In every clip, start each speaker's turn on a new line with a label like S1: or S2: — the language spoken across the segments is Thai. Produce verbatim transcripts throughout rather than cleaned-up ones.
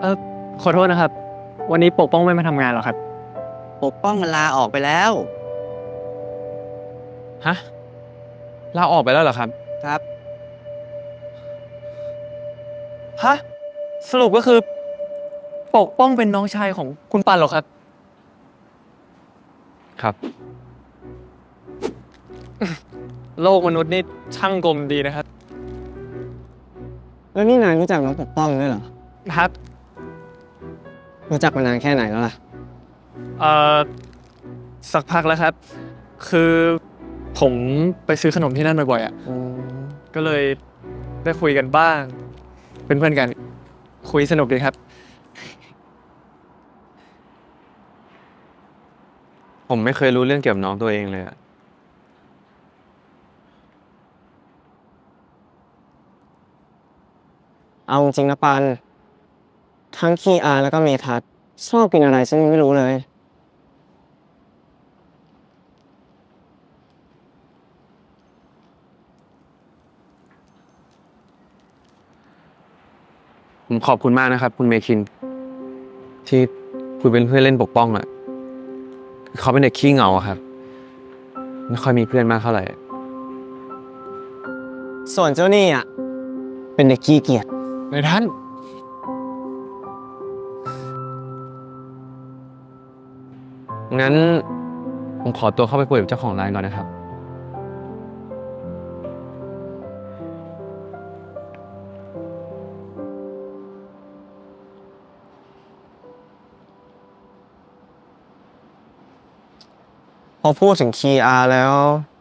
S1: เออขอโทษนะครับ วันนี้ปกป้องไม่มาทำงานหรอครับ
S2: ปกป้องมันลาออกไปแล้ว
S3: ฮะลาออกไปแล้วเหรอครับ
S2: ครับ
S1: ฮะ สรุปก็คือ ปกป้องเป็นน้องชายของคุณปันเหรอครับ
S3: ครับ
S1: โลกมนุษย์นี่ช่างกลมดีนะครับ
S4: แล้วนี่นายรู้จักน้องปกป้องด้วยเหรอ
S1: ครับ
S4: รู้จักมานานแค่ไหนแล้วล่ะ
S1: เอ่อ สักพักแล้วครับ คือผมไปซื้อขนมที่นั่นบ่อยๆอ่ะ ก็เลยได้คุยกันบ้าง เป็นเพื่อนกัน คุยสนุกดีครับ
S3: ผมไม่เคยรู้เรื่องเกี่ยวกับน้องตัวเองเลยอะ
S4: เอาจริงนะปัน ทั้งคีอาร์แล้วก็เมทัศน์ชอบกินอะไรฉันยังไม่รู้เลย
S3: ผมขอบคุณมากนะครับ คุณเมคิน ที่คุยเป็นเพื่อนเล่นปกป้องอะเขาเป็นเด็กขี้เหงาอะครับ ไม่ค่อยมีเพื่อนมากเท่าไหร่
S4: ส่วนเจ้านี่อ่ะ เป็นเด็กขี้เกียจ
S3: ในท่าน งั้น ผมขอตัวเข้าไปคุยกับเจ้าของร้านก่อนนะครับ
S4: พอพูดถึงคีอาร์แล้ว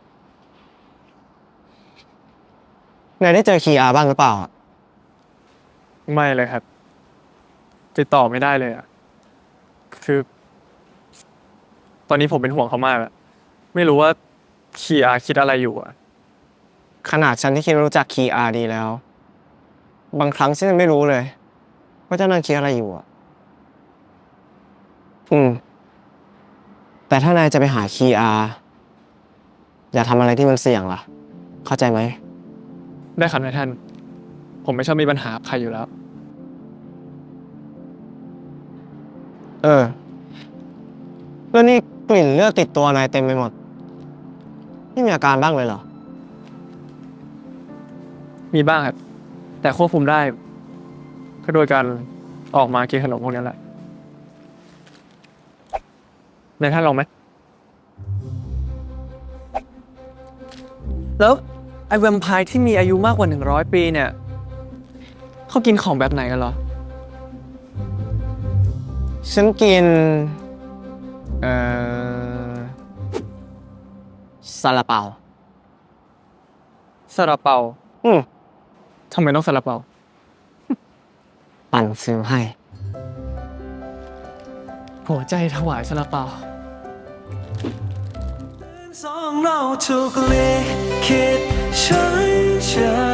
S4: นายได้เจอคีอาร์บ้างหรือเปล่าอะ
S1: ไม่เลยครับ ติดต่อไม่ได้เลยอ่ะ คือ ตอนนี้ผมเป็นห่วงเขามากอะไม่รู้ว่าคีอาคิดอะไรอยู่อ่ะ
S4: ขนาดฉันที่คิดว่ารู้จักคีอาร์ดีแล้ว บางครั้งฉันยังไม่รู้เลยว่าเจ้านายคิดอะไรอยู่อ่ะ อืม แต่ถ้านายจะไปหาคีอาร์อย่าทำอะไรที่มันเสี่ยงล่ะ เข้าใจไหม
S1: ได้ครับนายท่าน ผมไม่ชอบมีปัญหากับใครอยู่แล้ว
S4: เออ แล้วนี่กลิ่นเลือดติดตัวนายเต็มไปหมด ไม่มีอาการบ้างเลยเหรอ
S1: มีบ้างครับ แต่ควบคุมได้ ก็โดยการออกมากินขนมพวกนี้แหละนายท่านลองไหม แล้วไอแวมไพร์ที่มีอายุมากกว่าหนึ่งร้อยปีเนี่ย เขากินของแบบไหนกันเหรอ
S4: ฉันกิน เอ่อซาลาเปา
S1: ซาลาเปา
S4: อืม
S1: ทำไมต้องซาลาเปา
S4: ปั่นซื้อให้
S1: หัวใจถวายซาลาเปา
S5: สองเราถูกลิขิตใช้ใจ